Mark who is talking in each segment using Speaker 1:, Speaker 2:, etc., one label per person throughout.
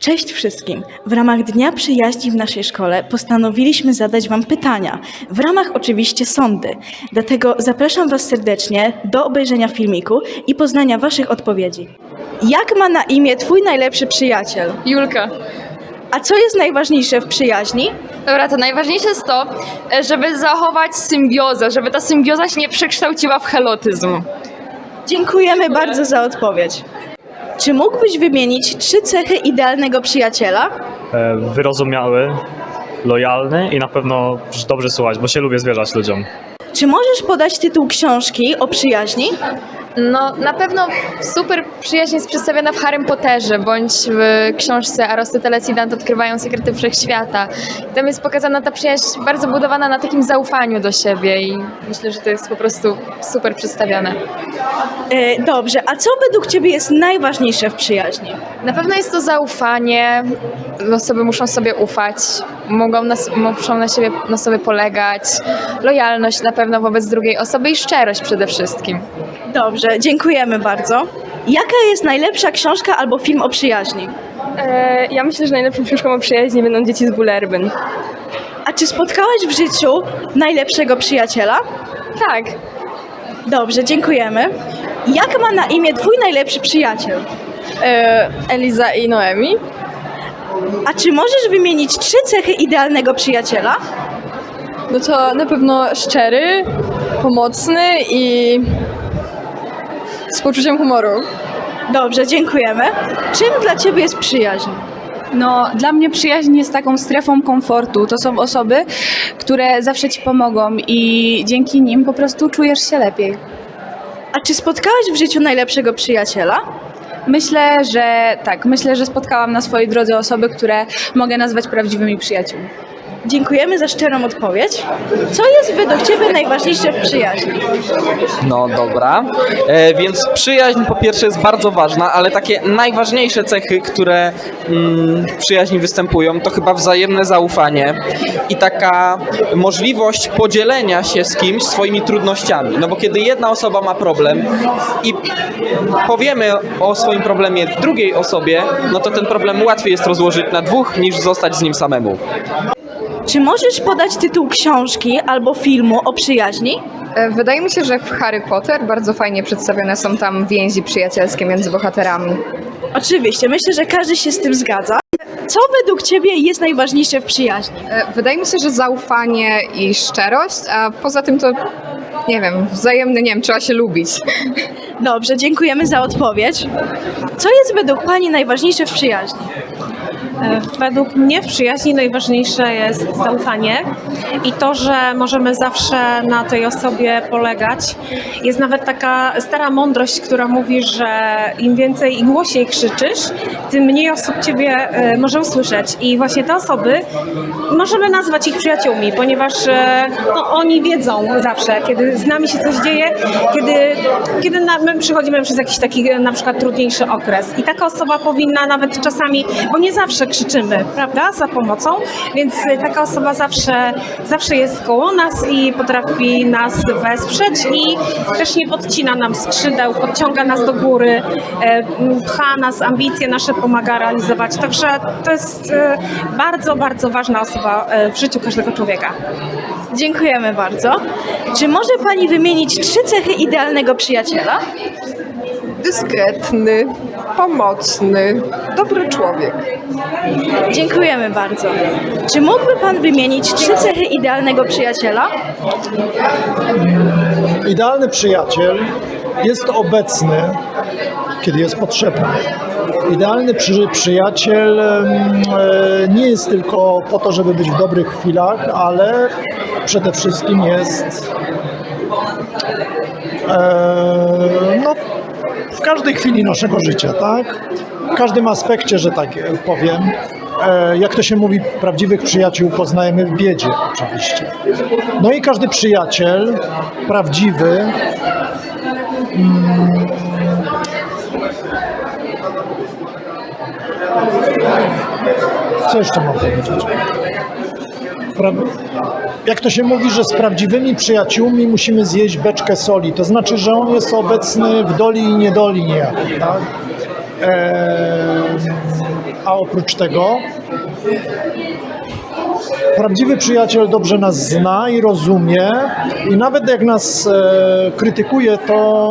Speaker 1: Cześć wszystkim! W ramach Dnia Przyjaźni w naszej szkole postanowiliśmy zadać Wam pytania, w ramach oczywiście sondy. Dlatego zapraszam Was serdecznie do obejrzenia filmiku i poznania Waszych odpowiedzi. Jak ma na imię Twój najlepszy przyjaciel?
Speaker 2: Julka.
Speaker 1: A co jest najważniejsze w przyjaźni?
Speaker 2: Dobra, to najważniejsze jest to, żeby zachować symbiozę, żeby ta symbioza się nie przekształciła w helotyzm.
Speaker 1: Dziękujemy bardzo za odpowiedź. Czy mógłbyś wymienić 3 cechy idealnego przyjaciela?
Speaker 3: Wyrozumiały, lojalny i na pewno dobrze słuchać, bo się lubię zwierzać ludziom.
Speaker 1: Czy możesz podać tytuł książki o przyjaźni?
Speaker 2: No, na pewno super przyjaźń jest przedstawiona w Harrym Potterze, bądź w książce Arystoteles i Dante odkrywają sekrety wszechświata. Tam jest pokazana ta przyjaźń bardzo budowana na takim zaufaniu do siebie i myślę, że to jest po prostu super przedstawione.
Speaker 1: Dobrze, a co według Ciebie jest najważniejsze w przyjaźni?
Speaker 2: Na pewno jest to zaufanie, osoby muszą sobie ufać, muszą na sobie polegać, lojalność na pewno wobec drugiej osoby i szczerość przede wszystkim.
Speaker 1: Dobrze, dziękujemy bardzo. Jaka jest najlepsza książka albo film o przyjaźni?
Speaker 4: Ja myślę, że najlepszą książką o przyjaźni będą Dzieci z Bullerbyn.
Speaker 1: A czy spotkałaś w życiu najlepszego przyjaciela?
Speaker 4: Tak.
Speaker 1: Dobrze, dziękujemy. Jak ma na imię Twój najlepszy przyjaciel?
Speaker 4: Eliza i Noemi.
Speaker 1: A czy możesz wymienić 3 cechy idealnego przyjaciela?
Speaker 4: No to na pewno szczery, pomocny i z poczuciem humoru.
Speaker 1: Dobrze, dziękujemy. Czym dla Ciebie jest przyjaźń?
Speaker 5: No, dla mnie przyjaźń jest taką strefą komfortu. To są osoby, które zawsze Ci pomogą i dzięki nim po prostu czujesz się lepiej.
Speaker 1: A czy spotkałaś w życiu najlepszego przyjaciela?
Speaker 5: Myślę, że tak. Myślę, że spotkałam na swojej drodze osoby, które mogę nazwać prawdziwymi przyjaciółmi.
Speaker 1: Dziękujemy za szczerą odpowiedź. Co jest według Ciebie najważniejsze w przyjaźni?
Speaker 6: No dobra, więc przyjaźń po pierwsze jest bardzo ważna, ale takie najważniejsze cechy, które w przyjaźni występują, to chyba wzajemne zaufanie i taka możliwość podzielenia się z kimś swoimi trudnościami. No bo kiedy jedna osoba ma problem i powiemy o swoim problemie drugiej osobie, no to ten problem łatwiej jest rozłożyć na dwóch niż zostać z nim samemu.
Speaker 1: Czy możesz podać tytuł książki albo filmu o przyjaźni?
Speaker 7: Wydaje mi się, że w Harry Potter bardzo fajnie przedstawione są tam więzi przyjacielskie między bohaterami.
Speaker 1: Oczywiście, myślę, że każdy się z tym zgadza. Co według Ciebie jest najważniejsze w przyjaźni?
Speaker 7: Wydaje mi się, że zaufanie i szczerość, a poza tym to, nie wiem, wzajemny, nie wiem, trzeba się lubić.
Speaker 1: Dobrze, dziękujemy za odpowiedź. Co jest według Pani najważniejsze w przyjaźni?
Speaker 8: Według mnie w przyjaźni najważniejsze jest zaufanie i to, że możemy zawsze na tej osobie polegać. Jest nawet taka stara mądrość, która mówi, że im więcej i głośniej krzyczysz, tym mniej osób Ciebie może usłyszeć. I właśnie te osoby możemy nazwać ich przyjaciółmi, ponieważ oni wiedzą zawsze, kiedy z nami się coś dzieje, kiedy my przychodzimy przez jakiś taki na przykład trudniejszy okres. I taka osoba powinna nawet czasami, bo nie zawsze krzyczymy, prawda, za pomocą, więc taka osoba zawsze jest koło nas i potrafi nas wesprzeć i też nie podcina nam skrzydeł, podciąga nas do góry, pcha nas, ambicje nasze pomaga realizować. Także to jest bardzo, bardzo ważna osoba w życiu każdego człowieka.
Speaker 1: Dziękujemy bardzo. Czy może Pani wymienić 3 cechy idealnego przyjaciela?
Speaker 7: Dyskretny, pomocny, dobry człowiek.
Speaker 1: Dziękujemy bardzo. Czy mógłby Pan wymienić 3 cechy idealnego przyjaciela?
Speaker 9: Idealny przyjaciel jest obecny, kiedy jest potrzebny. Idealny przyjaciel nie jest tylko po to, żeby być w dobrych chwilach, ale przede wszystkim jest w każdej chwili naszego życia, tak? W każdym aspekcie, że tak powiem. Jak to się mówi, prawdziwych przyjaciół poznajemy w biedzie, oczywiście. No i każdy przyjaciel prawdziwy co jeszcze mam powiedzieć? Jak to się mówi, że z prawdziwymi przyjaciółmi musimy zjeść beczkę soli, to znaczy, że on jest obecny w doli i niedoli niejako, tak? a oprócz tego prawdziwy przyjaciel dobrze nas zna i rozumie i nawet jak nas krytykuje, to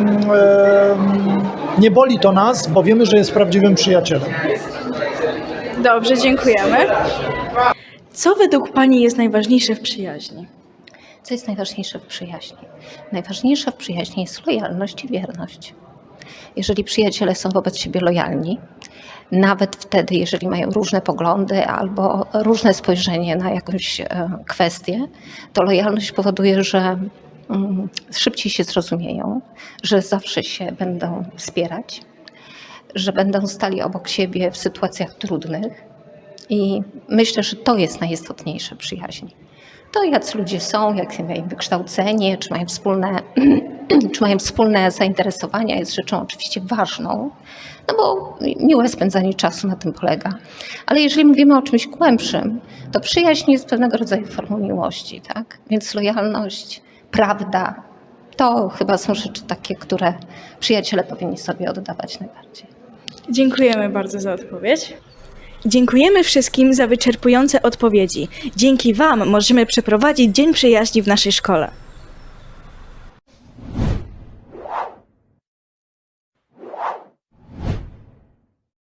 Speaker 9: nie boli to nas, bo wiemy, że jest prawdziwym przyjacielem.
Speaker 1: Dobrze, dziękujemy. Co według Pani jest najważniejsze w przyjaźni?
Speaker 10: Co jest najważniejsze w przyjaźni? Najważniejsze w przyjaźni jest lojalność i wierność. Jeżeli przyjaciele są wobec siebie lojalni, nawet wtedy, jeżeli mają różne poglądy albo różne spojrzenie na jakąś kwestię, to lojalność powoduje, że szybciej się zrozumieją, że zawsze się będą wspierać, że będą stali obok siebie w sytuacjach trudnych i myślę, że to jest najistotniejsze w przyjaźni. To jacy ludzie są, jakie mają wykształcenie, czy mają wspólne zainteresowania jest rzeczą oczywiście ważną, no bo miłe spędzanie czasu na tym polega. Ale jeżeli mówimy o czymś głębszym, to przyjaźń jest pewnego rodzaju formą miłości, tak? Więc lojalność, prawda, to chyba są rzeczy takie, które przyjaciele powinni sobie oddawać najbardziej.
Speaker 1: Dziękujemy bardzo za odpowiedź. Dziękujemy wszystkim za wyczerpujące odpowiedzi. Dzięki Wam możemy przeprowadzić Dzień Przyjaźni w naszej szkole.